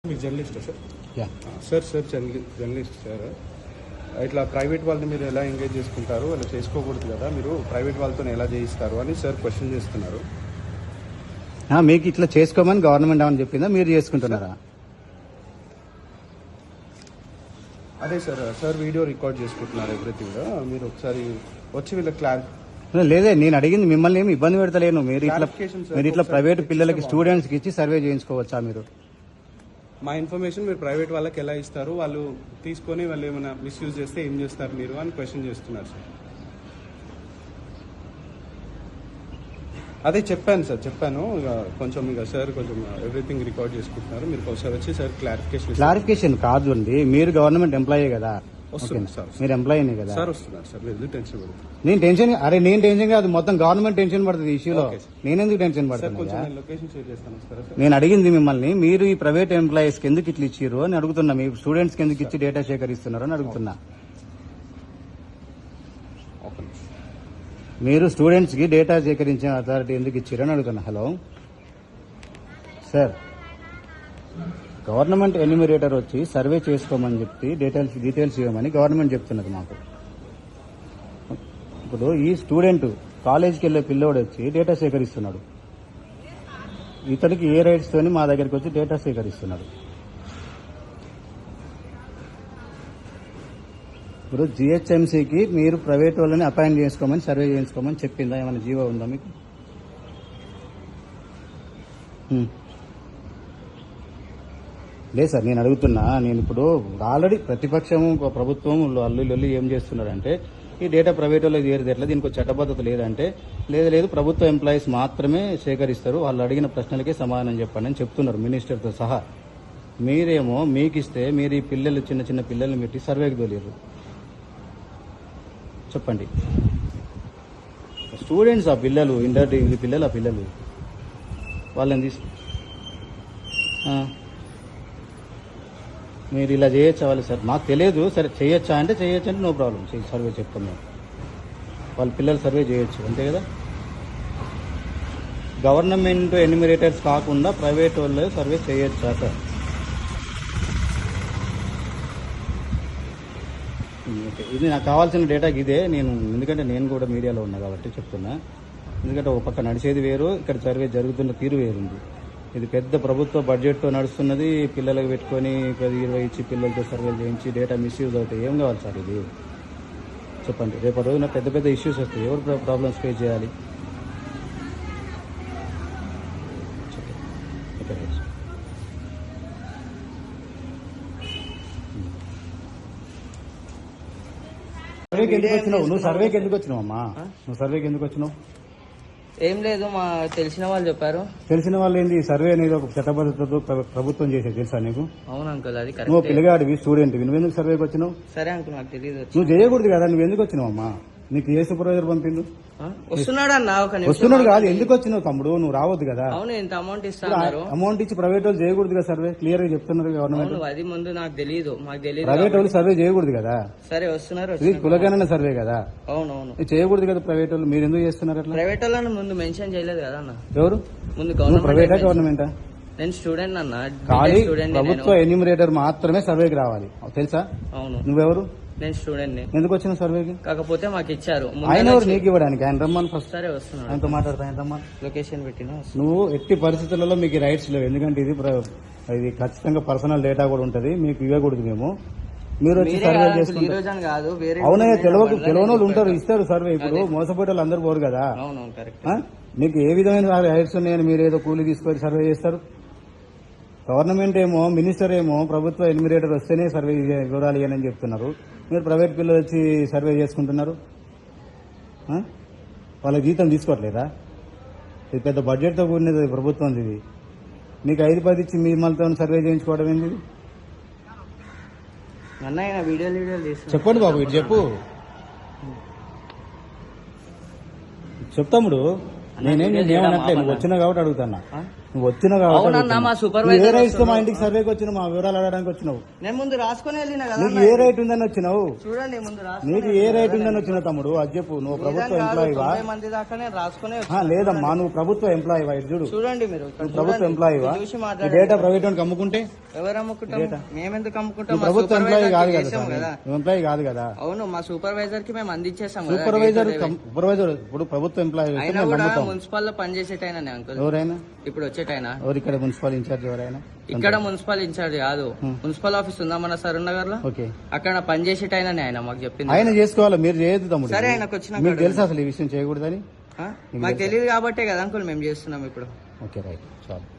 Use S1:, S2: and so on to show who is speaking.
S1: మీరు జర్నలిస్టా sir?
S2: Yeah
S1: sir journalist sir. ఇట్లా ప్రైవేట్ వాళ్ళని మీరు ఎలా ఎంగేజ్ చేసుకుంటారు, అలా చేసుకోకూడదు కదా, మీరు ప్రైవేట్ వాళ్ళతో ఎలా చేయిస్తారు అని సార్ క్వశ్చన్ చేస్తున్నారు.
S2: మీకు ఇట్లా చేసుకోమని గవర్నమెంట్ ఏమని చెప్పిందా, మీరు చేసుకుంటున్నారా?
S1: అదే సార్ వీడియో రికార్డ్ చేసుకుంటున్నారు ఎవ్రీథింగ్. మీరు ఒకసారి వచ్చి వీళ్ళకి
S2: లేదే, నేను అడిగింది మిమ్మల్ని ఏమి ఇబ్బంది పెడతలేను. మీరు ఇట్లా ప్రైవేట్ పిల్లలకి స్టూడెంట్స్ కి ఇచ్చి సర్వే చేయించుకోవచ్చా? మీరు
S1: మా ఇన్ఫర్మేషన్ మీరు ప్రైవేట్ వాళ్ళకి ఎలా ఇస్తారు, వాళ్ళు తీసుకొని వాళ్ళు ఏమైనా మిస్యూజ్ చేస్తే ఏం చేస్తారు మీరు అని క్వశ్చన్ చేస్తున్నారు సార్. అదే చెప్పాను ఇక కొంచెం సార్ కొంచెం ఎవ్రీథింగ్ రికార్డ్ చేసుకుంటున్నారు. మీరు ఒకసారి వచ్చి సార్
S2: క్లారిఫికేషన్ కాదు అండి, మీరు గవర్నమెంట్ ఎంప్లాయీ కదా,
S1: వస్తుంది సార్,
S2: మీరు ఎంప్లాయీనే కదా
S1: సార్, వస్తున్నారు సార్. మీరు టెన్షన్ పడుతుంది.
S2: నేను టెన్షన్ కాదు, మొత్తం గవర్నమెంట్ టెన్షన్ పడుతుంది ఈ ఇష్యూలో. నేనెందుకు టెన్షన్ పడుతుంది?
S1: లొకేషన్ షేర్ చేస్తాను సార్.
S2: నేను అడిగింది మిమ్మల్ని, మీరు ఈ ప్రైవేట్ ఎంప్లాయీస్ కి ఎందుకు ఇట్లా ఇచ్చారు అని అడుగుతున్నా. మీ స్టూడెంట్స్ కి ఎందుకు ఇచ్చి డేటా సేకరిస్తున్నారు అని అడుగుతున్నా. మీరు స్టూడెంట్స్ కి డేటా సేకరించిన అథారిటీ ఎందుకు ఇచ్చారు అని అడుగుతున్నా. హలో సార్, గవర్నమెంట్ ఎన్యూమరేటర్ వచ్చి సర్వే చేసుకోమని చెప్పి డీటెయిల్స్ ఇవ్వమని గవర్నమెంట్ చెప్తున్నది మాకు. ఇప్పుడు ఈ స్టూడెంట్ కాలేజీకి వెళ్లే పిల్లోడు వచ్చి డేటా సేకరిస్తున్నాడు. ఇతడికి ఏ రైట్స్ తోని మా దగ్గరికి వచ్చి డేటా సేకరిస్తున్నాడు? ఇప్పుడు జిహెచ్ఎంసీకి మీరు ప్రైవేట్ వాళ్ళని అపాయింట్ చేసుకోమని సర్వే చేయించుకోమని చెప్పిందా? ఏమైనా జీవో ఉందా మీకు? లేదు సార్, నేను అడుగుతున్నా. నేను ఇప్పుడు ఆల్రెడీ ప్రతిపక్షము ప్రభుత్వం అల్లు ఏం చేస్తున్నారంటే, ఈ డేటా ప్రైవేట్ వాళ్ళకి చేరితే ఎట్లా, దీనికి చట్టబద్ధత లేదంటే, లేదు ప్రభుత్వ ఎంప్లాయీస్ మాత్రమే సేకరిస్తారు, వాళ్ళు అడిగిన ప్రశ్నలకే సమాధానం చెప్పండి అని చెప్తున్నారు మినిస్టర్తో సహా. మీరేమో మీకిస్తే మీరు ఈ పిల్లలు చిన్న పిల్లల్ని పెట్టి సర్వేకి తోలేరు. చెప్పండి, స్టూడెంట్స్ ఆ పిల్లలు, ఇంటర్ పిల్లలు, ఆ పిల్లలు వాళ్ళని తీసుకు మీరు ఇలా చేయొచ్చా వాళ్ళు? సార్ మాకు తెలియదు. సరే చేయొచ్చా అంటే నో ప్రాబ్లం, సర్వే చెప్తాం మేము. వాళ్ళ పిల్లలు సర్వే చేయొచ్చు, అంతే కదా. గవర్నమెంట్ ఎన్యూమరేటర్స్ కాకుండా ప్రైవేట్ వాళ్ళు సర్వే చేయొచ్చా సార్? ఓకే, ఇది నాకు కావాల్సిన డేటాకి ఇదే. ఎందుకంటే నేను కూడా మీడియాలో ఉన్నా కాబట్టి చెప్తున్నా. ఎందుకంటే ఒక పక్క నడిచేది వేరు, ఇక్కడ సర్వే జరుగుతున్న తీరు వేరుంది. ఇది పెద్ద ప్రభుత్వ బడ్జెట్తో నడుస్తున్నది. పిల్లలకు పెట్టుకొని 10-20 ఇచ్చి పిల్లలతో సర్వేలు చేయించి డేటా మిస్యూజ్ అవుతాయి. ఏం కావాలి సార్ ఇది? చెప్పండి. రేపటి రోజున పెద్ద ఇష్యూస్ వస్తాయి. ఎవరు ప్రాబ్లమ్స్ ఫేస్ చేయాలి? సర్వేకి ఎందుకు వచ్చినావు? నువ్వు సర్వేకి ఎందుకు వచ్చినావు అమ్మా? నువ్వు సర్వేకి ఎందుకు వచ్చినావు?
S3: ఏం లేదు, మా తెలిసిన వాళ్ళు చెప్పారు.
S2: తెలిసిన వాళ్ళు ఏంది? సర్వే అనేది ఒక చట్టబద్ధతతో ప్రభుత్వం చేసేది, తెలుసా నీకు?
S3: అవును అంకుల్, అది
S2: నువ్వు పిల్లగాడివి, స్టూడెంట్, నువ్వెందుకు సర్వేకి వచ్చినావు?
S3: సరే అంకుల్, నాకు తెలియదు.
S2: నువ్వు చేయకూడదు కదా, నువ్వు ఎందుకు వచ్చినావు అమ్మా? నీకు ఏ సూపర్వైజర్ పంపిండు?
S3: వస్తున్నాడు అన్న,
S2: వస్తున్నాడు కాదు, ఎందుకు వచ్చినావు తమ్ముడు? నువ్వు రావద్దు కదా.
S3: అవును, ఇంత అమౌంట్ ఇస్తాను.
S2: అమౌంట్ ఇచ్చి ప్రైవేట్ వాళ్ళు చేయకూడదు కదా సర్వే? క్లియర్ గా చెప్తున్నారు గవర్నమెంట్.
S3: అది ముందు నాకు తెలియదు,
S2: ప్రైవేట్ వాళ్ళు సర్వే చేయకూడదు కదా.
S3: సరే వస్తున్నారు,
S2: ఇది కులగణన సర్వే కదా.
S3: అవునవును,
S2: చేయకూడదు కదా ప్రైవేట్ వాళ్ళు. మీరు ఎందుకు చేస్తున్నారు అట్లా?
S3: ప్రైవేట్ వాళ్ళని ముందు మెన్షన్ చేయలేదు కదా అన్న.
S2: ఎవరు?
S3: ముందు
S2: ప్రైవేటా గవర్నమెంటా?
S3: నేను స్టూడెంట్ అన్న,
S2: ఖాళీ ప్రభుత్వ ఎన్యూమరేటర్ మాత్రమే సర్వేకి రావాలి, తెలుసా?
S3: అవును.
S2: నువ్వెవరు?
S3: నేను స్టూడెంట్.
S2: ఎందుకు వచ్చిన సర్వేకి?
S3: కాకపోతే మాకు ఇచ్చారు.
S2: ఆయన ఎవరు నీకు ఇవ్వడానికి? ఆయన రమ్మని ఫస్ట్.
S3: సరే వస్తున్నాడు,
S2: ఆయనతో మాట్లాడతా. ఆయన రమ్మని
S3: లొకేషన్ పెట్టినా.
S2: నువ్వు ఎట్టి పరిస్థితులలో మీకు రైట్స్ లేవు, ఎందుకంటే ఇది ఖచ్చితంగా పర్సనల్ డేటా కూడా ఉంటది, మీకు ఇవ్వకూడదు మేము. మీరు వచ్చి సర్వే చేసుకుంటారు. అవునా? తెలియని వాళ్ళు ఉంటారు, ఇస్తారు సర్వే. ఇప్పుడు మోసపోయే వాళ్ళు అందరూ పోరు కదా. మీకు ఏ విధమైన రైట్స్ ఉన్నాయని మీరు ఏదో కూలీ తీసుకొని సర్వే చేస్తారు? గవర్నమెంట్ ఏమో, మినిస్టర్ ఏమో ప్రభుత్వ ఎన్యూమరేటర్ వస్తేనే సర్వే వివరాలు ఇవ్వని చెప్తున్నారు. మీరు ప్రైవేట్ పిల్లలు వచ్చి సర్వే చేసుకుంటున్నారు. వాళ్ళ జీతం తీసుకోవట్లేదా? ఇది పెద్ద బడ్జెట్తో కూడినది ప్రభుత్వం. ఇది మీకు 5-10 ఇచ్చి మిమ్మల్తో సర్వే చేయించుకోవడం ఏంది? చెప్పండి బాబు, ఇటు చెప్పు. చెప్తాముడు నేనేం ఏమనట్లే, నువ్వు వచ్చినా కాబట్టి అడుగుతున్నా. నువ్వు వచ్చినావు కాబట్టి
S3: అవునన్నా,
S2: అడుగుతున్నా.
S3: మా
S2: నువ్వు
S3: supervisor
S2: ఏ రైట్స్ తో మా
S3: వస్తున్నావు.
S2: ఇంటికి సర్వేకి వచ్చినావు, మా వివరాలు అడగడానికి వచ్చినావు.
S3: నేను ముందు రాసుకొని వెళ్ళిన కదా
S2: నీకు
S3: అన్న.
S2: ఏ రైట్ ఉందని వచ్చినావు?
S3: చూడండి ముందు
S2: నీకు ఏ రైట్ ఉందని వచ్చినావు తమ్ముడు, అది చెప్పు. నువ్వు ప్రభుత్వ ఎంప్లాయీవా?
S3: 90 మంది దాకా నేను రాసుకునే
S2: లేదమ్మా, నువ్వు ప్రభుత్వ ఎంప్లాయీవా? ఇటు చూడు,
S3: చూడండి మీరు ఇక్కడ
S2: నువ్వు ప్రభుత్వ
S3: చూడండి.
S2: ఎంప్లాయీవా?
S3: ఇది చూసి
S2: ఈ
S3: మాట్లాడండి.
S2: డేటా ప్రైవేట్ వాడికి అమ్ముకుంటే
S3: ఎవరు అమ్ముకుంటాం? మేమెందుకు అమ్ముకుంటాం?
S2: నువ్వు
S3: మా
S2: ప్రభుత్వ ఎంప్లాయీ
S3: supervisor
S2: కాదు
S3: కి
S2: కదా
S3: చేసాం
S2: సార్,
S3: కదా.
S2: నువ్వు ఎంప్లాయీ కాదు కదా.
S3: అవును, మా సూపర్వైజర్ కి మేము అందించేసాం కదా.
S2: Supervisor
S3: day to day.
S2: Supervisor ఇప్పుడు ప్రభుత్వ ఎంప్లాయీ వస్తే
S3: అయినా
S2: మేము
S3: కూడా
S2: నమ్ముతాం.
S3: మున్సిపల్ లో పనిచేసేటైనా అంకుల్,
S2: ఎవరైనా
S3: ఇప్పుడు వచ్చేటైనా
S2: ఎవరు ఇక్కడ మున్సిపల్ ఇన్ఛార్జ్ ఎవరైనా?
S3: ఇక్కడ మున్సిపల్ ఇన్ఛార్జ్ కాదు, మున్సిపల్ ఆఫీస్ ఉందా మన సరూర్ నగర్ లో,
S2: ఓకే,
S3: అక్కడ పనిచేసేటైనా ఆయన మాకు చెప్పింది.
S2: ఆయన చేసుకోవాలి, మీరు చేయొద్దు తమ్ముడు.
S3: సరే, ఆయనకు వచ్చినాక
S2: మీకు తెలుసు అసలు ఈ విషయం చేయకూడదని?
S3: మాకు తెలియదు కాబట్టే కదా అంకుల్ మేము చేస్తున్నాం ఇప్పుడు.
S2: ఓకే రైట్, చాలు.